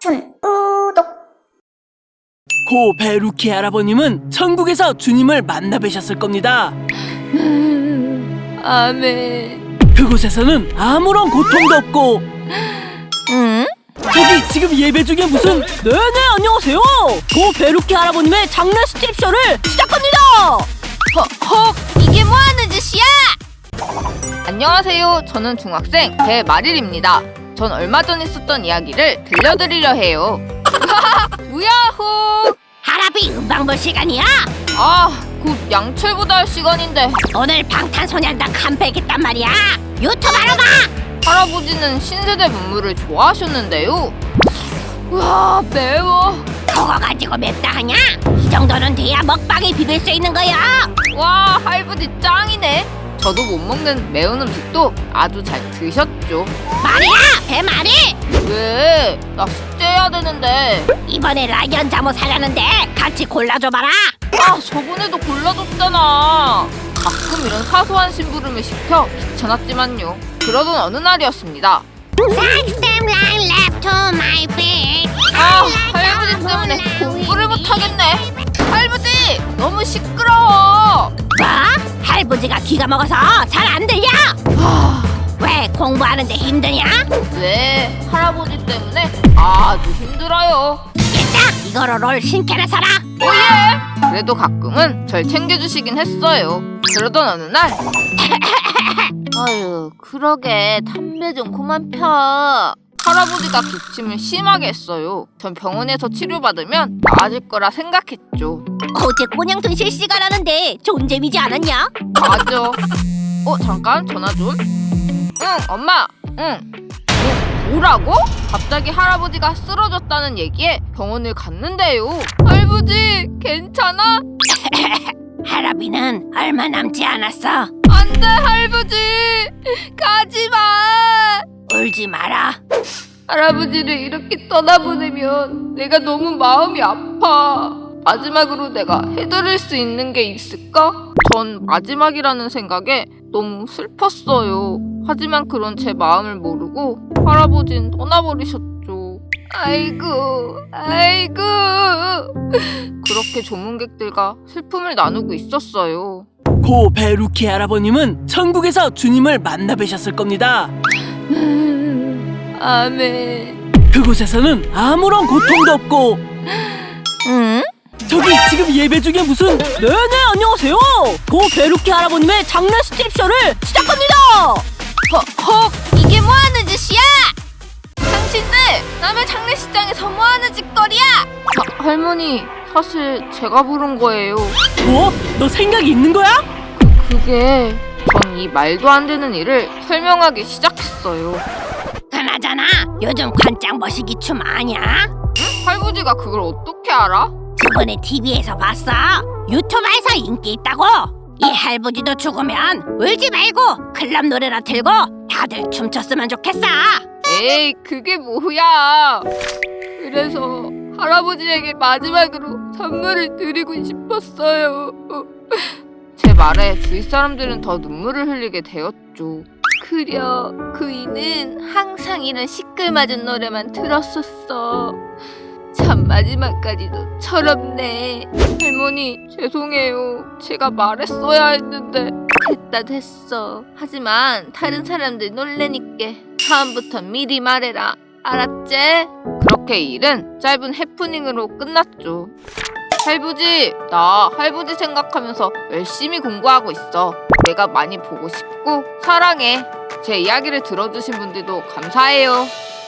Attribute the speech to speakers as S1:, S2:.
S1: 우독.
S2: 고 베루키 할아버님은 천국에서 주님을 만나 뵈셨을 겁니다.
S3: 아멘.
S2: 그곳에서는 아무런 고통도 없고
S3: 응?
S2: 저기 지금 예배 중에 무슨 네네 안녕하세요. 고 베루키 할아버님의 장례 스트립쇼를 시작합니다.
S3: 헉, 이게 뭐하는 짓이야? 안녕하세요. 저는 중학생 배마릴입니다. 전 얼마 전 있었던 이야기를 들려드리려 해요. 우야호!
S1: 할아비 음방 볼 시간이야.
S3: 곧 양철보다 할 시간인데
S1: 오늘 방탄소년단 컴백했단 말이야. 유튜브로 봐.
S3: 할아버지는 신세대 문물을 좋아하셨는데요. 우와, 매워.
S1: 그거 가지고 맵다 하냐? 이 정도는 돼야 먹방에 비빌 수 있는 거야.
S3: 와, 할아버지 짱이네. 저도 못 먹는 매운 음식도 아주 잘 드셨죠.
S1: 말이야 배말이.
S3: 왜? 나 숙제해야 되는데.
S1: 이번에 라이언 잠옷 사려는데 같이 골라줘봐라.
S3: 저번에도 골라줬잖아. 가끔 이런 사소한 심부름을 시켜 귀찮았지만요. 그러던 어느 날이었습니다.
S1: Stem line left to my feet.
S3: 할아버지 때문에 공부를 못하겠네. 할아버지, 너무 시끄러워.
S1: 뭐? 할아버지가 귀가 먹어서 잘 안 들려? 왜 공부하는데 힘드냐?
S3: 네, 할아버지 때문에 아주 힘들어요.
S1: 일단 이거로 롤 신캐나 사라.
S3: 오예! 그래도 가끔은 절 챙겨주시긴 했어요. 그러던 어느 날 아유, 그러게 담배 좀 그만 펴. 할아버지가 기침을 심하게 했어요. 전 병원에서 치료받으면 나아질 거라 생각했죠.
S1: 어제 꼬냥돈 실시간하는데 존재미지 않았냐?
S3: 맞아. 잠깐 전화 좀. 응, 엄마. 응. 뭐라고? 갑자기 할아버지가 쓰러졌다는 얘기에 병원을 갔는데요. 할아버지, 괜찮아?
S1: 할아비는 얼마 남지 않았어.
S3: 안 돼, 할아버지. 가지 마.
S1: 울지 마라.
S3: 할아버지를 이렇게 떠나보내면 내가 너무 마음이 아파. 마지막으로 내가 해드릴 수 있는 게 있을까? 전 마지막이라는 생각에 너무 슬펐어요. 하지만 그런 제 마음을 모르고 할아버진 떠나버리셨죠. 아이고. 그렇게 조문객들과 슬픔을 나누고 있었어요.
S2: 고 베루키 할아버님은 천국에서 주님을 만나 뵈셨을 겁니다.
S3: 아멘.
S2: 그곳에서는 아무런 고통도 없고
S3: 응?
S2: 저기 지금 예배 중에 무슨 네네 안녕하세요. 고 베루키 할아버님의 장례 스트립쇼를 시작합니다.
S3: 이게 뭐하는 짓이야? 당신들 남의 장례식장에서 뭐하는 짓거리야? 할머니, 사실 제가 부른 거예요.
S2: 뭐? 너 생각이 있는 거야?
S3: 그게 전 이 말도 안 되는 일을 설명하기 시작했어요.
S1: 그나저나 요즘 관짝 머시기 춤 아냐?
S3: 할아버지가 그걸 어떻게 알아?
S1: 저번에 TV에서 봤어. 유튜브에서 인기 있다고. 이 할아버지도 죽으면 울지 말고 클럽 노래나 틀고 다들 춤췄으면 좋겠어.
S3: 에이, 그게 뭐야. 그래서 할아버지에게 마지막으로 선물을 드리고 싶었어요. 제 말에 주위 사람들은 더 눈물을 흘리게 되었죠. 그려, 그이는 항상 이런 시끌맞은 노래만 들었었어. 참 마지막까지도 철없네. 할머니, 죄송해요. 제가 말했어야 했는데. 됐어. 하지만 다른 사람들 놀래니까 다음부턴 미리 말해라. 알았지? 그렇게 이 일은 짧은 해프닝으로 끝났죠. 할아버지, 나 할아버지 생각하면서 열심히 공부하고 있어. 내가 많이 보고 싶고 사랑해. 제 이야기를 들어주신 분들도 감사해요.